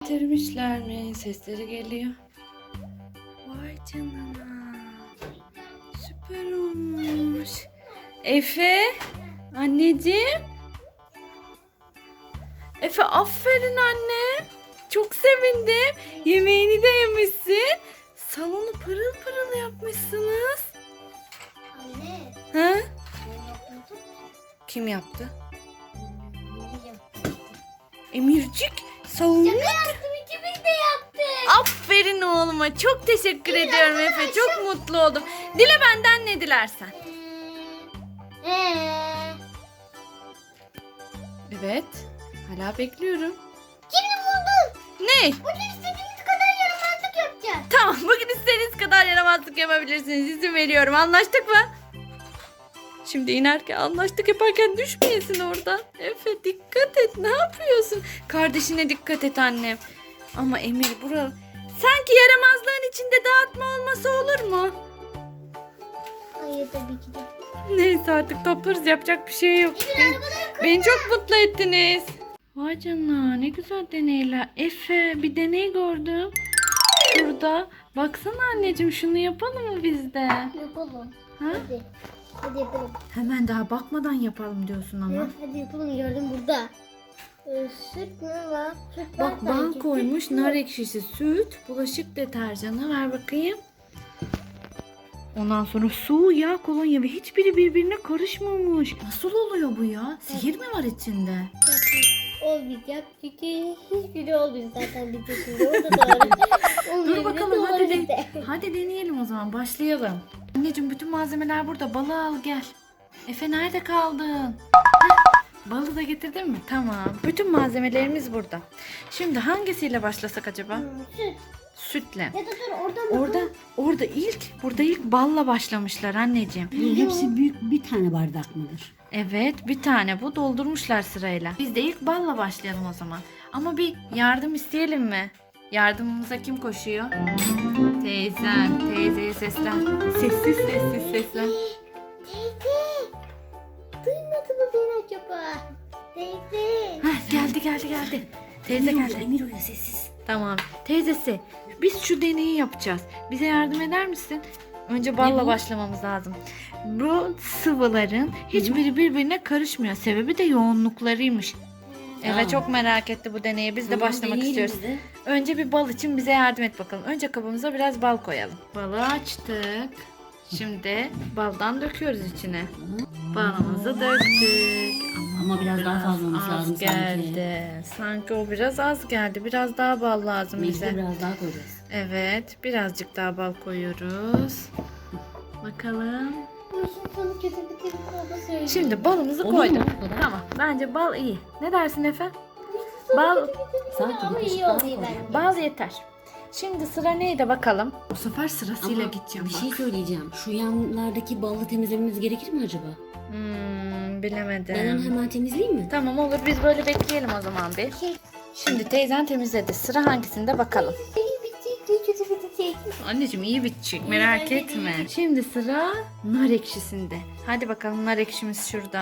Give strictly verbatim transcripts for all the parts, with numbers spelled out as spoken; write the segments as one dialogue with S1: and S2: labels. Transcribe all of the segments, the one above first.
S1: getirmişler mi? Sesleri geliyor. Vay canına. Süper olmuş. Efe, anneciğim. Efe, aferin anne. Çok sevindim. Yemeğini de yemişsin. Salonu pırıl pırıl yapmışsınız.
S2: Anne.
S1: Ha?
S2: Ben yapmadım.
S1: Kim yaptı?
S2: Anne yaptı.
S1: Emircik, salonu.
S2: Şaka yaptım, ikimiz de yaptık.
S1: Aferin oğluma. Çok teşekkür ediyorum Efe. Çok mutlu oldum. Dile benden ne dilersen.
S2: Eee.
S1: Evet. Hala bekliyorum.
S2: Şimdi buldum.
S1: Ne?
S2: Bugün istediğiniz kadar yaramazlık yapacağız.
S1: Tamam, bugün istediğiniz kadar yaramazlık yapabilirsiniz. İzin veriyorum. Anlaştık mı? Şimdi inerken anlaştık yaparken düşmeyesin oradan. Efe dikkat et. Ne yapıyorsun? Kardeşine dikkat et annem. Ama Emir bura sanki yaramazlığın içinde dağıtma olması olur mu?
S2: Hayır tabii ki de.
S1: Neyse artık toplarız, yapacak bir şey yok. Beni, beni çok mutlu ettiniz. Vay canına, ne güzel deneyler. Efe, bir deney gördüm. Şurada. Baksana anneciğim, şunu yapalım mı biz de?
S2: Yapalım.
S1: Ha?
S2: Hadi. Hadi yapalım.
S1: Hemen daha bakmadan yapalım diyorsun ama.
S2: Evet, hadi yapalım, gördüm burada. Ee, süt mü var? Süt var
S1: Bak,
S2: sanki.
S1: ban koymuş,
S2: Süt
S1: nar
S2: mü?
S1: ekşisi, süt, bulaşık deterjanı, ver bakayım. Ondan sonra su, yağ, kolonya ve hiçbiri birbirine karışmamış. Nasıl oluyor bu ya? Sihir mi var içinde?
S2: Olmayacak çünkü hiçbiri olmuyor zaten bir şimdi. O da doğru. Olmuyor,
S1: Dur bakalım,
S2: doğru
S1: hadi,
S2: bir
S1: de,
S2: de.
S1: hadi deneyelim o zaman, başlayalım. Anneciğim, bütün malzemeler burada, balığı al gel. Efe, nerede kaldın? Heh, balığı da getirdin mi? Tamam. Bütün malzemelerimiz burada. Şimdi hangisiyle başlasak acaba?
S2: Hmm, Süt.
S1: Sütle.
S2: Ya da dur oradan mı?
S1: Orada orada ilk burada ilk balla başlamışlar anneciğim.
S3: Bu hepsi büyük bir tane bardak mıdır?
S1: Evet, bir tane bu, doldurmuşlar sırayla. Biz de ilk balla başlayalım o zaman. Ama bir yardım isteyelim mi? Yardımımıza kim koşuyor? Teyzen. Teyzeye seslen. Sessiz sessiz seslen.
S2: Teyze. Duymadı mı beni acaba? Teyze.
S1: Heh, geldi geldi geldi. Teyze
S3: Emir
S1: geldi.
S3: uyu, Emir uyu sessiz.
S1: Tamam. Teyzesi, biz şu deneyi yapacağız. Bize yardım eder misin? Önce balla
S3: bu?
S1: başlamamız lazım. Bu sıvıların hiçbiri birbirine karışmıyor. Sebebi de yoğunluklarıymış. Evet,
S3: Aa.
S1: çok merak etti bu deneye. Biz de
S3: Tamam,
S1: başlamak
S3: deneyelim
S1: istiyoruz.
S3: biz de.
S1: Önce bir bal için bize yardım et bakalım. Önce kabımıza biraz bal koyalım. Balı açtık. Şimdi baldan döküyoruz içine. Balımızı döktük.
S3: Ama biraz daha fazla olması
S1: az
S3: lazım
S1: geldi. Sanki o biraz az geldi. Biraz daha bal lazım
S3: sanki.
S1: bize.
S3: Biz de biraz daha koyacağız.
S1: Evet, birazcık daha bal koyuyoruz. Bakalım.
S2: Bu işin sonu kötü bir baba söylüyor.
S1: Şimdi balımızı
S3: Olur
S1: koyduk.
S3: mu? Bu kadar.
S1: Tamam, bence bal iyi. Ne dersin Efe? Bal,
S3: Sanki bir
S2: Ama
S3: kaşık
S2: iyi
S3: daha
S2: oluyor
S3: koyacağım.
S2: bence.
S1: bal yeter. Şimdi sıra neydi bakalım? Bu sefer sırasıyla
S3: Ama
S1: gideceğim
S3: bir
S1: bak.
S3: şey söyleyeceğim. Şu yanlardaki balı temizlememiz gerekir mi acaba?
S1: Hmm, bilemedim.
S3: Ben onu hemen temizleyeyim mi?
S1: Tamam, olur, biz böyle bekleyelim o zaman bir. Şimdi teyzen temizledi. Sıra hangisinde bakalım.
S2: İyi bitecek, kötü bitecek.
S1: Anneciğim, iyi bitecek, merak
S2: bence de
S1: etme. Şimdi sıra nar ekşisinde. Hadi bakalım, nar ekşimiz şurada.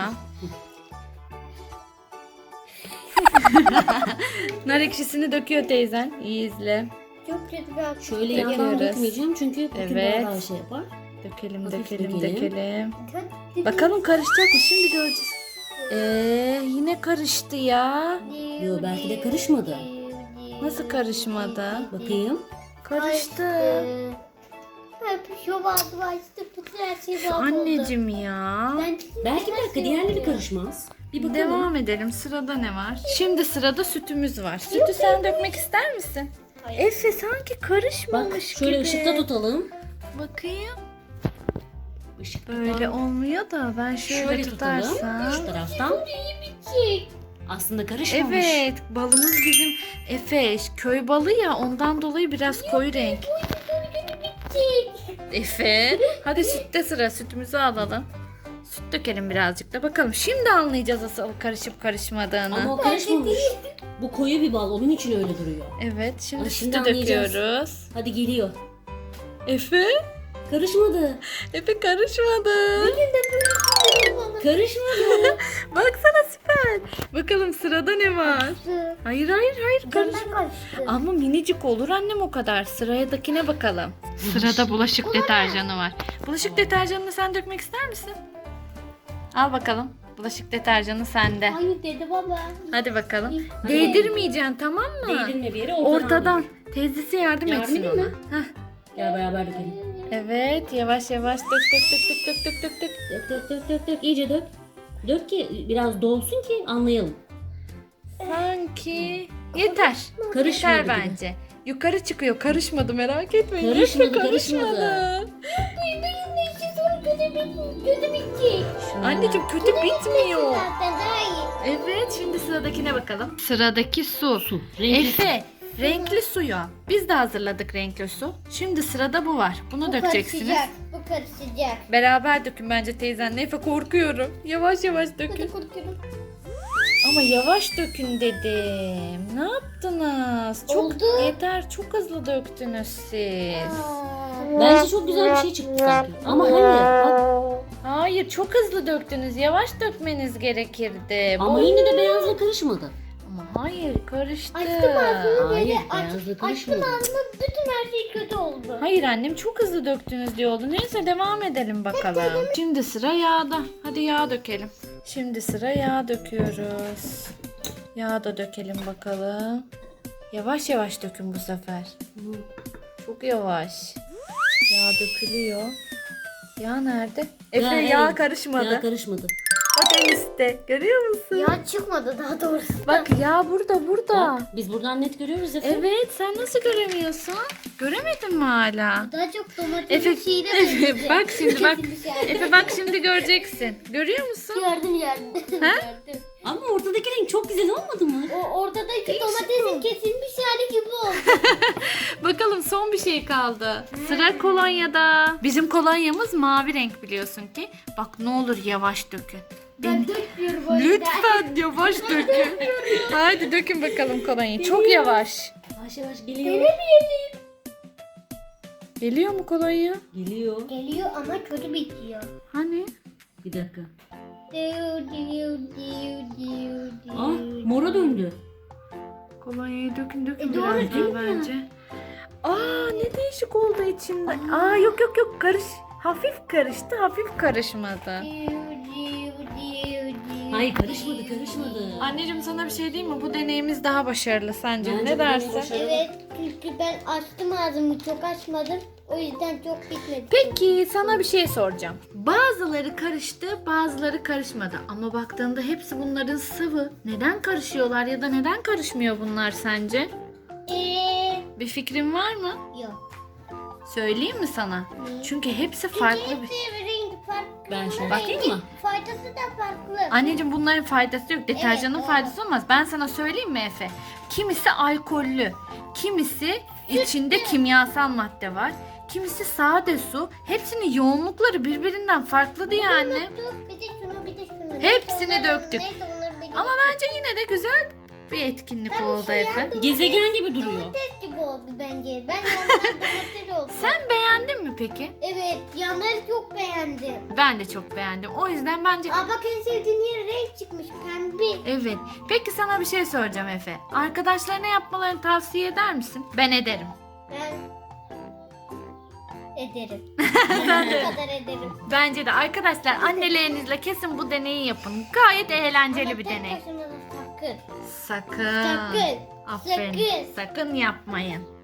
S1: Nar ekşisini döküyor teyzen. İyi izle.
S2: Çok kötü bir akış.
S3: Şöyle
S1: Döküyoruz.
S3: yandan dökmeyeceğim çünkü bütün
S1: Evet.
S3: daha şey yapar.
S1: Dökelim,
S3: Hafif
S1: dökelim,
S3: dökelim.
S1: dökelim.
S2: Kötü
S1: Bakalım karışacak mı? Şimdi göreceğiz. Ee, yine karıştı ya.
S3: Yo, belki de karışmadı.
S1: Nasıl karışmadı?
S3: Bakayım.
S1: Karıştı.
S2: Hep şu bazı açtı. Bütün her şey
S1: Şu
S2: bağlı oldu.
S1: anneciğim ya.
S2: Ben
S3: Belki bir dakika diğerleri karışmaz. Bir bakalım.
S1: Devam edelim. Sırada ne var? Şimdi sırada sütümüz var. Sütü sen dökmek ister misin? Efe, sanki karışmamış
S3: Bak şöyle
S1: gibi.
S3: ışıkta tutalım.
S1: Bakayım.
S3: Işıkta
S1: Böyle olmuyor da ben şöyle,
S3: şöyle tutalım.
S1: tutarsam.
S3: Şu taraftan.
S2: bitecek.
S3: Aslında karışmamış.
S1: Evet, balımız bizim Efe köy balı ya, ondan dolayı biraz koyu renk. Efe, hadi sütte sıra, sütümüzü alalım. Süt dökelim birazcık da bakalım. Şimdi anlayacağız asıl karışıp karışmadığını.
S3: Ama o karışmamış. Bu koyu bir bal. Onun için öyle duruyor.
S1: Evet, şimdi
S3: Ay, şimdi
S1: sütü
S3: anlayacağız.
S1: döküyoruz.
S3: Hadi geliyor.
S1: Efe,
S3: Karışmadı.
S1: Efe karışmadı.
S3: Karışmadı.
S1: Baksana süper. Bakalım sırada ne var? Hayır hayır hayır karış.
S2: Ben karıştı.
S1: Ama minicik olur annem o kadar. Sıradakine bakalım. Sırada bulaşık deterjanı var. Bulaşık deterjanını sen dökmek ister misin? Al bakalım. Bulaşık deterjanı sende.
S2: Hayır dedi baba.
S1: Hadi bakalım.
S2: Hadi.
S1: Değdirmeyeceksin tamam mı?
S3: Değdirme bir yere ortadan.
S1: Ortadan. Teyzesi yardım,
S3: Yardım
S1: etsin
S3: edeyim
S1: ona.
S3: mi?
S1: Heh.
S3: Gel beraber dökelim.
S1: Evet yavaş yavaş dök dök dök dök dök dök dök.
S3: Dök dök dök dök dök. İyice dök. Dök ki biraz dolsun ki anlayalım.
S1: Sanki yeter.
S3: Karışmadı
S1: Yeter
S3: gibi.
S1: bence. Yukarı çıkıyor. Karışmadı merak etmeyin.
S3: Karışmadı,
S1: Efe,
S3: karışmadı.
S2: Benim de işi zor kötü bit- kötü bitecek.
S1: Anneciğim kötü bitmiyor.
S2: Zaten daha iyi.
S1: Evet şimdi sıradakine bakalım. Sıradaki su.
S3: Su. Renkli.
S1: Efe renkli suyu. Biz de hazırladık renkli su. Şimdi sırada bu var. Bunu
S2: Bu
S1: dökeceksiniz.
S2: karışacak. Bu karışacak.
S1: Beraber dökün bence teyzenle. Efe korkuyorum. Yavaş yavaş
S2: Hadi
S1: dökün.
S2: korkuyorum.
S1: Ama yavaş dökün dedim. Ne yaptınız? Çok
S2: Oldu.
S1: yeter. Çok hızlı döktünüz siz.
S2: Aa.
S3: Bence çok güzel bir şey çıktı sanki. Ama hayır. Bak,
S1: Hayır çok hızlı döktünüz. Yavaş dökmeniz gerekirdi.
S3: ama
S1: Bu-
S3: yine de beyazla karışmadı.
S1: Ama hayır karıştı.
S2: Açtım ağzını
S3: Hayır,
S2: böyle
S3: beyazla
S2: aç, açtım
S3: karışmadı.
S2: ağzını bütün her şey kötü oldu.
S1: Hayır annem çok hızlı döktünüz diye oldu. Neyse devam edelim bakalım. Şimdi sıra yağda. Hadi yağ dökelim. Şimdi sıra yağ döküyoruz. Yağ da dökelim bakalım. Yavaş yavaş dökün bu sefer. Çok yavaş. Yağ dökülüyor. Yağ nerede? Efe
S3: Ya,
S1: yağ
S3: evet.
S1: karışmadı.
S3: Yağ karışmadı.
S1: Bak en üstte. Görüyor musun?
S2: Ya çıkmadı daha doğrusu.
S1: Bak yağ burada burada.
S3: Bak, biz buradan net görüyoruz Efe.
S1: Evet sen nasıl göremiyorsun? Göremedin mi hala?
S2: Daha çok domatesin
S1: Efe,
S2: şeyine
S1: Efe
S2: benziyor.
S1: bak şimdi bak.
S2: Kesilmiş yani.
S1: Efe bak şimdi göreceksin. Görüyor musun?
S2: Gördüm gördüm.
S1: Ha?
S2: Gördüm.
S3: Ama ortadaki renk çok güzel olmadı mı?
S2: O ortadaki
S1: Değişik
S2: domatesin
S1: bu.
S2: kesilmiş hali gibi oldu.
S1: Bakalım son bir şey kaldı. Sıra kolonyada. Bizim kolonyamız mavi renk biliyorsun ki. Bak ne olur yavaş dökün.
S2: Ben dökmüyorum o yüzden.
S1: Lütfen yavaş dökün. Haydi dökün bakalım kolonyayı. Çok yavaş.
S3: Yavaş yavaş geliyor.
S2: Denemeyelim.
S1: Geliyor mu kolonya?
S3: Geliyor.
S2: Geliyor ama kötü bitiyor.
S1: Hani?
S3: Bir dakika.
S2: Diu diu diu diu diu.
S3: Ah, mora döndü.
S1: Kolonyayı dökün dökün
S2: E, doğru
S1: biraz
S2: değil
S1: daha
S2: mi?
S1: bence. Aa ne değişik oldu içinde. Aa yok yok yok karış. Hafif karıştı hafif karışmadı.
S2: Diu diu diu diu.
S3: Hayır karışmadı karışmadı.
S1: Anneciğim sana bir şey diyeyim mi? Bu deneyimiz daha başarılı sence.
S3: Bence
S1: ne
S3: bu deney
S1: dersin?
S3: başarılı.
S2: Evet çünkü ben açtım ağzımı çok açmadım. O yüzden çok bitmedi.
S1: Peki sana bir şey soracağım. Bazıları karıştı, bazıları karışmadı. Ama baktığında hepsi bunların sıvı. Neden karışıyorlar ya da neden karışmıyor bunlar sence?
S2: Eee
S1: Bir fikrin var mı?
S2: yok.
S1: Söyleyeyim mi sana?
S2: Ne?
S1: Çünkü hepsi farklı bir...
S2: Hepsi rengi farklı.
S3: Ben şöyle
S2: Rengi-
S3: bakayım mı?
S2: Faydası da farklı.
S1: Anneciğim bunların faydası yok. Deterjanın
S2: Evet,
S1: faydası olmaz. Ben sana söyleyeyim mi Efe? Kimisi alkollü, kimisi içinde kimyasal madde var. Kimisi sade su. Hepsinin yoğunlukları birbirinden farklıdı yani.
S2: Dur bir de şunu bir de şunu.
S1: Hepsini
S2: Neyse, onları-
S1: döktük.
S2: neyse, onları da
S1: Ama bence yine de güzel bir etkinlik
S2: Ben
S1: oldu
S2: bir şey
S1: Efe.
S2: yaptım.
S3: Gezegen gibi duruyor.
S2: Domates gibi oldu bence. Ben yanlar domates oldu.
S1: Sen beğendin mi peki?
S2: Evet yanları çok beğendim.
S1: Ben de çok beğendim. O yüzden bence...
S2: Aa bak en sevdiğin yer renk çıkmış pembe.
S1: Evet. Peki sana bir şey soracağım Efe. Arkadaşlarına yapmalarını tavsiye eder misin? Ben ederim.
S2: Ben ederim. Ne kadar ederim.
S1: Bence de arkadaşlar annelerinizle kesin bu deneyi yapın. Gayet eğlenceli
S2: Ama
S1: bir
S2: tek
S1: deney.
S2: başına da sakın.
S1: Sakın.
S2: Sakın.
S1: Aferin.
S2: Sakın.
S1: Sakın yapmayın.